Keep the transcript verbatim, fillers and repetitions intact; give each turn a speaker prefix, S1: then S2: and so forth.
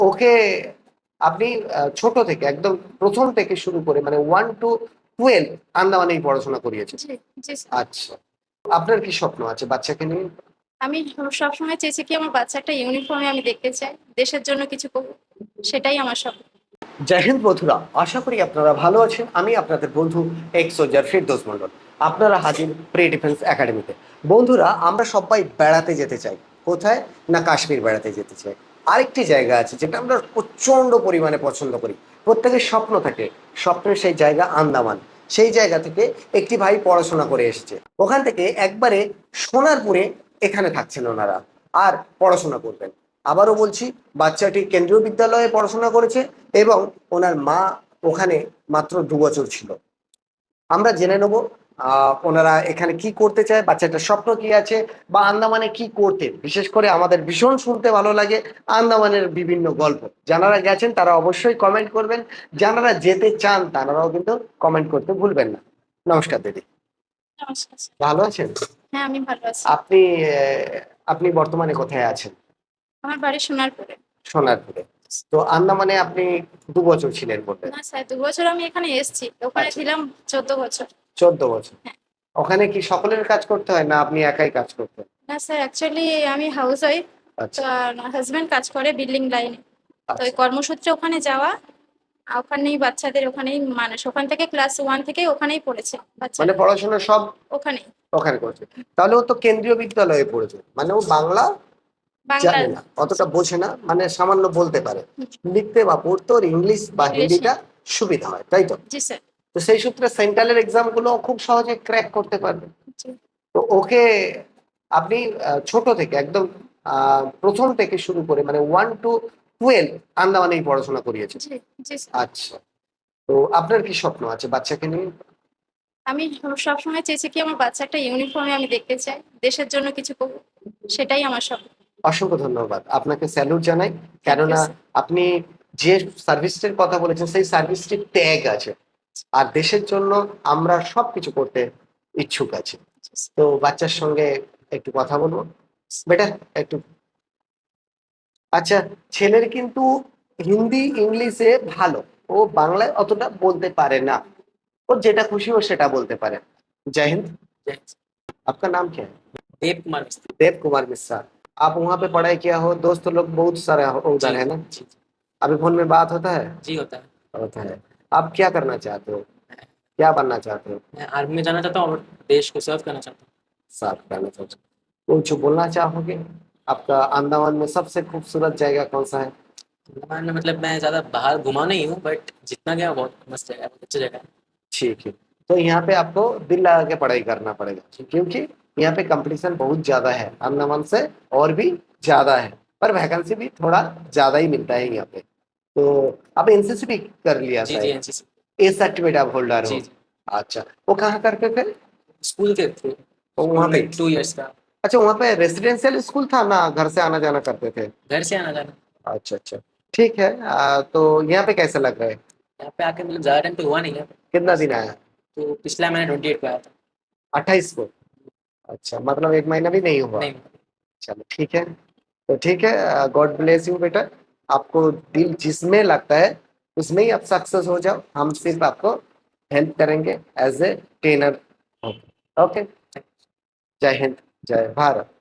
S1: ওকে আপনি আহ, ছোট থেকে একদম প্রথম থেকে শুরু করে মানে ওয়ান টু টুয়েলভ আন্দামানেই পড়াশোনা করিয়েছে।
S2: জি, জি স্যার।
S1: আচ্ছা, আপনার কি স্বপ্ন আছে বাচ্চাকে নিয়ে?
S2: আমি সবসময় চেয়েছি কি আমার বাচ্চা একটা ইউনিফর্মে আমি দেখতে চাই, দেশের জন্য কিছু করবো, সেটাই আমার স্বপ্ন।
S1: জয় হিন্দ বন্ধুরা, আশা করি আপনারা ভালো আছেন। আমি আপনাদের বন্ধু এক্স সোলজার ফিরদৌস মন্ডল। আপনারা হাজির প্রি ডিফেন্স একাডেমিতে। বন্ধুরা, আমরা সবাই বেড়াতে যেতে চাই। কোথায়? না, কাশ্মীর বেড়াতে যেতে চাই। আরেকটি জায়গা আছে যেটা আমরা প্রচন্ড পরিমাণে পছন্দ করি, প্রত্যেকের স্বপ্ন থাকে। স্বপ্নের সেই জায়গা আন্দামান। সেই জায়গা থেকে একটি ভাই পড়াশোনা করে এসেছে, ওখান থেকে একবারে সোনারপুরে এখানে থাকছেন ওনারা আর পড়াশোনা করবেন। আবারও বলছি, বাচ্চাটি কেন্দ্রীয় বিদ্যালয়ে পড়াশোনা করেছে এবং ওনার মা ওখানে মাত্র দু বছর ছিল। আমরা জেনে নেব আহ ওনারা এখানে কি করতে চায়, বাচ্চাটার স্বপ্ন কি আছে, বা আন্দামানে কি করতে। বিশেষ করে আমাদের ভীষণ শুনতে ভালো লাগে আন্দামানের বিভিন্ন গল্প। যারা গেছেন তারা অবশ্যই কমেন্ট করবেন, যারা যেতে চান তারাও কিন্তু কমেন্ট করতে ভুলবেন না। নমস্কার দিদি,
S2: নমস্কার স্যার।
S1: ভালো আছেন?
S2: হ্যাঁ, আমি ভালো আছি।
S1: আপনি আহ, আপনি বর্তমানে কোথায় আছেন?
S2: আমার বাড়ি সোনারপুরে।
S1: সোনারপুরে। তো আন্দামানে আপনি দু বছর ছিলেন বললেন।
S2: না স্যার, দু বছর আমি এখানে এসেছি, ওখানে
S1: আচ্ছা,
S2: ছিলাম চোদ্দ বছর।
S1: চোদ্দ বছর।
S2: হ্যাঁ।
S1: ওখানে কি সকলের কাজ করতে হয় না আপনি একাই কাজ করতেন?
S2: না স্যার, অ্যাকচুয়ালি আমি হাউস ওয়াইফ। তো
S1: আচ্ছা,
S2: হাজবেন্ড কাজ করে বিল্ডিং লাইনে। তো ওই
S1: আচ্ছা।
S2: কর্মসূত্রে ওখানে যাওয়া, আর ওখানেই বাচ্চাদের ওখানেই মানুষ ওখান থেকে ক্লাস ওয়ান থেকে ওখানেই পড়েছে
S1: মানে
S2: বাচ্চারা,
S1: পড়াশোনা সব
S2: ওখানেই।
S1: ওখানে করছে। তাহলে ও তো কেন্দ্রীয় বিদ্যালয়ে পড়েছে, মানে ও বাংলা
S2: বাংলা।
S1: জানে না, অতটা বোঝে না, মানে সামান্য বলতে পারে। লিখতে বা পড়তে ওর ইংলিশ বা
S2: ইংলিশ।
S1: হিন্দিটা সুবিধা হয়, তাই তো?
S2: জি স্যার।
S1: তো সেই সূত্রে সেন্ট্রালের এক্সাম গুলো খুব সহজে ক্র্যাক করতে পারবে।
S2: জি,
S1: তো ওকে আপনি আহ, ছোট থেকে একদম আহ, প্রথম থেকে শুরু করে মানে ওয়ান টু টুয়েলভ আন্দামানেই পড়াশোনা করিয়েছে।
S2: জি, জি স্যার।
S1: আচ্ছা, তো আপনার কি স্বপ্ন আছে বাচ্চাকে নিয়ে?
S2: আমি সবসময় চেয়েছি কি আমার বাচ্চা একটা ইউনিফর্মে আমি দেখতে চাই, দেশের জন্য কিছু করবো, সেটাই আমার স্বপ্ন।
S1: অসংখ্য ধন্যবাদ, আপনাকে স্যালুট জানাই।
S2: থ্যাংক ইউ
S1: কেননা
S2: স্যার।
S1: আপনি যে সার্ভিসটির কথা বলেছেন সেই সার্ভিসটির ট্যাগ আছে, আর দেশের জন্য আমরা সবকিছু করতে ইচ্ছুক আছি। তো বাচ্চার সঙ্গে একটু কথা বলবো বেটা, একটু। আচ্ছা, ছেলের কিন্তু হিন্দি ইংলিশে ভালো, ও বাংলায় অতটা বলতে পারে না। ও যেটা খুশি ও সেটা বলতে পারে। जय हिंद। आपका नाम क्या है?
S3: देव कुमार मिस्त्री।
S1: देव कुमार मिश्रा। आप वहाँ पे पढ़ाई किया हो, दोस्त लोग बहुत सारे हो- उधर
S3: जी
S1: है ना?
S3: जी
S1: अभी फोन में बात होता है?
S3: जी होता है।
S1: होता है। आप क्या करना चाहते हो, क्या बनना चाहते हो?
S3: मैं आर्मी में जाना चाहता हूँ और देश को सर्व करना चाहता हूँ।
S1: साफ करना चाहते हो? कुछ बोलना चाहोगे? आपका अंडमान में सबसे खूबसूरत जगह कौन सा है?
S3: अंडमान में मतलब मैं ज़्यादा बाहर घुमा नहीं हूँ, बट जितना गया बहुत मस्त जगह है, बहुत अच्छी जगह है।
S1: ठीक है। तो यहाँ पे आपको दिल लगा के पढ़ाई करना पड़ेगा,
S3: ठीक।
S1: क्योंकि यहाँ पे कंपटीशन बहुत ज्यादा है, अंडमान से और भी ज्यादा है। पर वैकेंसी भी थोड़ा ज्यादा ही मिलता है यहाँ पे। तो आप एनसीसी भी कर लिया
S3: जी जी
S1: शायद?
S3: एनसीसी।
S1: ए सर्टिफिकेट आप होल्डर
S3: जी
S1: हो?
S3: जी
S1: अच्छा, वो कहाँ करते थे?
S3: स्कूल के थ्रू।
S1: तो वहाँ पे।
S3: टू इयर्स का।
S1: अच्छा, वहाँ पे रेसिडेंशियल स्कूल था ना, घर से आना जाना करते थे?
S3: घर से आना जाना।
S1: अच्छा अच्छा, ठीक है। आ, तो यहाँ पे कैसे लग रहा है?
S3: यहाँ पे आके मतलब ज़्यादा टाइम तो हुआ नहीं है,
S1: कितना दिन आया?
S3: तो पिछला महीना ट्वेंटी एट को आया था।
S1: अट्ठाईस को? अच्छा, मतलब एक महीना भी नहीं हुआ।
S3: नहीं।
S1: चलो ठीक है। तो ठीक है, गॉड ब्लेस यू बेटा। आपको दिल जिसमें लगता है उसमें ही आप सक्सेस हो जाओ, हम सिर्फ आपको हेल्प करेंगे एज ए ट्रेनर। ओके। जय हिंद, जय भारत।